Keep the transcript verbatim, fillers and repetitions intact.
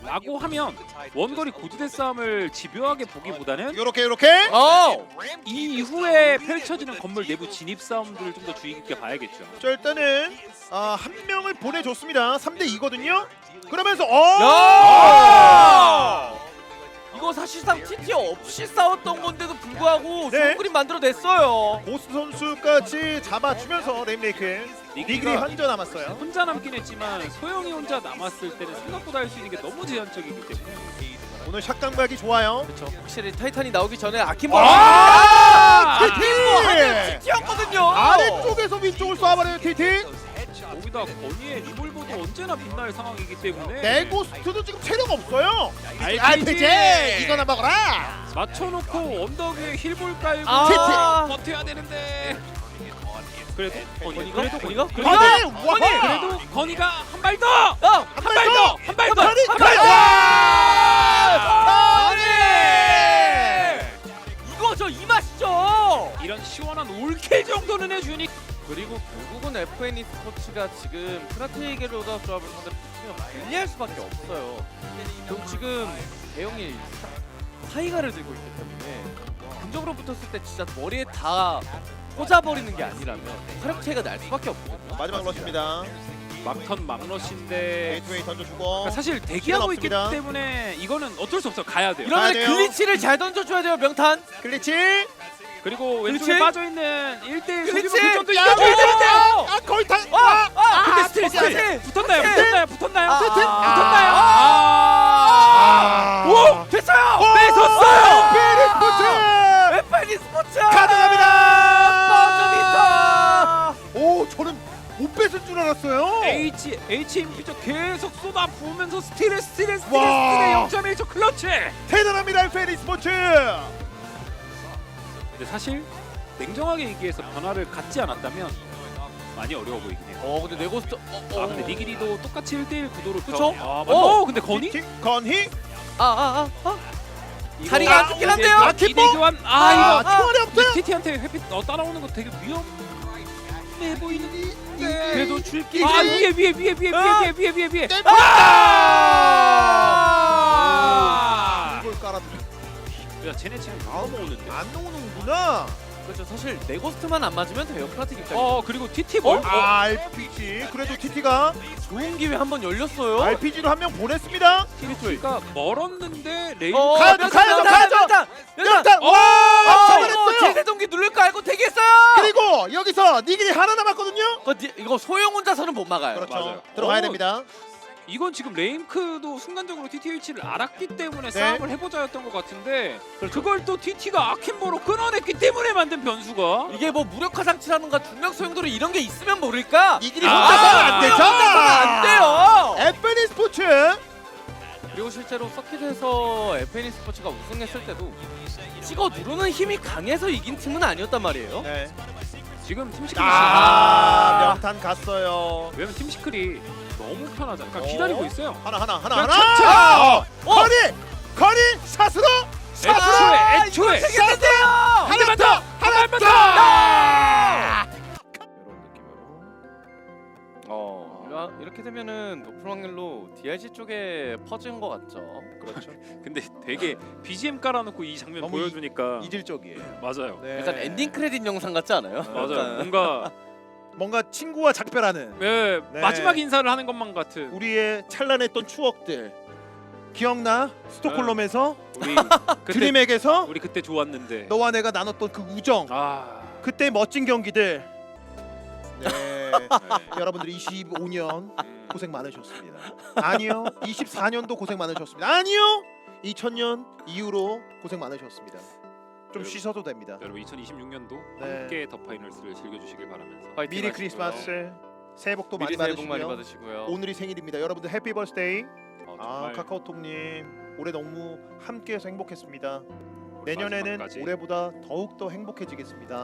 라고 하면 원거리 고지대 싸움을 집요하게 보기보다는 요렇게 요렇게. 어! 이 이후에 펼쳐지는 건물 내부 진입 싸움들을 좀 더 주의 깊게 봐야겠죠. 자 일단은 아, 한 명을 보내줬습니다. 삼 대 이거든요. 그러면서 어. 야! 이거 사실상 티티 없이 싸웠던 건데도 불구하고 네. 좋은 그림 만들어냈어요. 고스 선수까지 잡아주면서 레임레이크 리그리 니기가 한점 남았어요. 혼자 남긴 했지만 소영이 혼자 남았을 때는 생각보다 할 수 있는 게 너무 제한적이기 때문에 오늘 샷감각이 좋아요. 그렇죠. 확실히 타이탄이 나오기 전에 아킴볼 아! 아킴볼 하면 티티였거든요. 아래쪽에서 위쪽을 쏴버려요 티티. 거기다 건이의 리볼버도 언제나 빛날 상황이기 때문에 네고스트도 지금 체력 없어요. 알피지! 이거나 먹어라. 맞춰놓고 언덕 위에 힐볼 깔고 아. 버텨야 되는데 그래도 건이 건이가? 그래도 건이가? 건이 건이가? 건이! 건이 와! 그래도 건이가 한 발 더! 어! 한 발 더! 한 발 더! 건이! 한 발 더! 건이! 이거 저 이 맛이죠. 이런 시원한 올킬 정도는 해주니 그리고 결국은 에프엔이 스포츠가 지금 프라테이게로다 조합을 상대로 붙으면 불리할 수밖에 없어요. 그럼 지금 대형이 사이가를 들고 있기 때문에 근접으로 붙었을 때 진짜 머리에 다 꽂아버리는 게 아니라면 화력 차이가 날 수밖에 없거든요. 마지막 러시입니다. 막턴 막러시인데 게이트웨이 던져주고. 그러니까 사실 대기하고 있기 없습니다. 때문에 이거는 어쩔 수 없어 가야 돼요. 이러면 가야 돼요. 글리치를 잘 던져줘야 돼요, 명탄. 글리치. 그리고 왼쪽에 그렇지? 빠져있는 일 대 일 그렇지? 소규모 교전도 야, 이겨줘야 되는데 아 거의 다. 아! 아! 근데 아, 스틸 거기 스틸 아직! 붙었나요? 스틸! 붙었나요? 붙었나요? 아, 붙었나요? 아, 붙었나요? 아. 아. 오! 됐어요! 뺏었어요! 피리스포츠 에프엔이 스포츠! 가능합니다. 오 저는 못 뺏을 줄 알았어요. H 에이치엠피죠 계속 쏟아 부으면서 스틸에 스틸에 스틸에 와. 스틸에 영 점 일 초 클러치. 대단합니다 피리스포츠. 근데 사실 냉정하게 얘기해서 변화를 갖지 않았다면 많이 어려워 보이긴 해요. 어, 근데 네고스트 어, 어. 아 근데 니기리도 똑같이 일 대 일 구도로 그쵸? 펴- 아, 어. 맞- 어 근데 건이? 티- 건희. 아, 아, 아, 아. 이거- 자리가 안 좋긴 한데요? 아, 킴보? 기대 교환. 아, 아, 이거 초월이 없어요. 티티한테 회피 어, 따라오는 거 되게 위험해 보이는데 네. 그래도 줄기. 이게- 아 위에 위에 위에 위에 아. 위에 위에 위에 위에. 네. 아! 이걸 깔았네. 야 쟤네 지금 다 넘어오는데. 안 나오는구나. 그렇죠. 사실 네고스트만 안 맞으면 돼요. 프라틱 입장에서. 어 그리고 티티 뭘? 아, 알피지. 그래도 티티가 좋은 기회 한 번 열렸어요. 알피지로 한 명 보냈습니다. 티티가 멀었는데 레인. 어, 가야죠, 몇 가야죠, 장, 가야죠. 몇 장, 몇 장. 일단 어! 와! 아, 잡아냈어요. 제세동기 누를 거 알고 대기했어요. 그리고 여기서 니길이 하나 남았거든요. 어, 니- 이거 소영 혼자서는 못 막아요. 그렇죠. 맞아요. 들어가야 어. 됩니다. 이건 지금 레임크도 순간적으로 티티에이치를 알았기 때문에 네. 싸움을 해보자였던 것 같은데 그걸 또 티티가 아킨보로 끊어냈기 때문에 만든 변수가 이게 뭐 무력화 장치라는가 중력 소용도로 이런 게 있으면 모를까? 니길이 아, 혼자서는 안 되죠. 혼자서는 안 돼요. 에프엔이 스포츠. 그리고 실제로 서킷에서 에프엔이 스포츠가 우승했을 때도 찍어 누르는 힘이 강해서 이긴 팀은 아니었단 말이에요. 네. 지금 팀시클이 아, 명탄 갔어요. 왜냐면 팀시클이 너무 편하잖아. 그러니까 어? 기다리고 있어요. 하나 하나 하나 그냥 하나. 천천히! 어, 거리 거리 샷으로 애초에 애초에 이거 되겠는데요. 한 대만 더! 한 대만 더! 이런 느낌으로. 어, 이라- 이렇게 되면은 높은 확률로 디알지 쪽에 퍼진 것 같죠. 그렇죠. 근데 되게 비지엠 깔아놓고 이 장면 너무 보여주니까 이질적이에요. 맞아요. 네. 약간 엔딩 크레딧 영상 같지 않아요? 맞아요. 약간. 뭔가 뭔가 친구와 작별하는 네, 네. 마지막 인사를 하는 것만 같은 우리의 찬란했던 추억들 기억나? 스톡홀름에서 우리 그때 드림에게서 우리 그때 좋았는데 너와 내가 나눴던 그 우정, 아 그때 멋진 경기들. 네. 네. 여러분들 이십오 년 음. 고생 많으셨습니다. 아니요. 이십사 년도 고생 많으셨습니다. 아니요. 이천 년 이후로 고생 많으셨습니다. 좀 여러분. 쉬셔도 됩니다. 여러분 이천이십육 년도 네. 함께 더 파이널스를 즐겨주시길 바라면서 화이팅 미리 하시고요. 크리스마스, 새해 복도 미리 많이 새해 복 많이 받으시고요. 받으시고요. 오늘이 생일입니다. 여러분들 해피 버스데이. 어, 아 정말 카카오톡님 올해 너무 함께해서 행복했습니다. 올 내년에는 마지막까지 올해보다 더욱 더 행복해지겠습니다.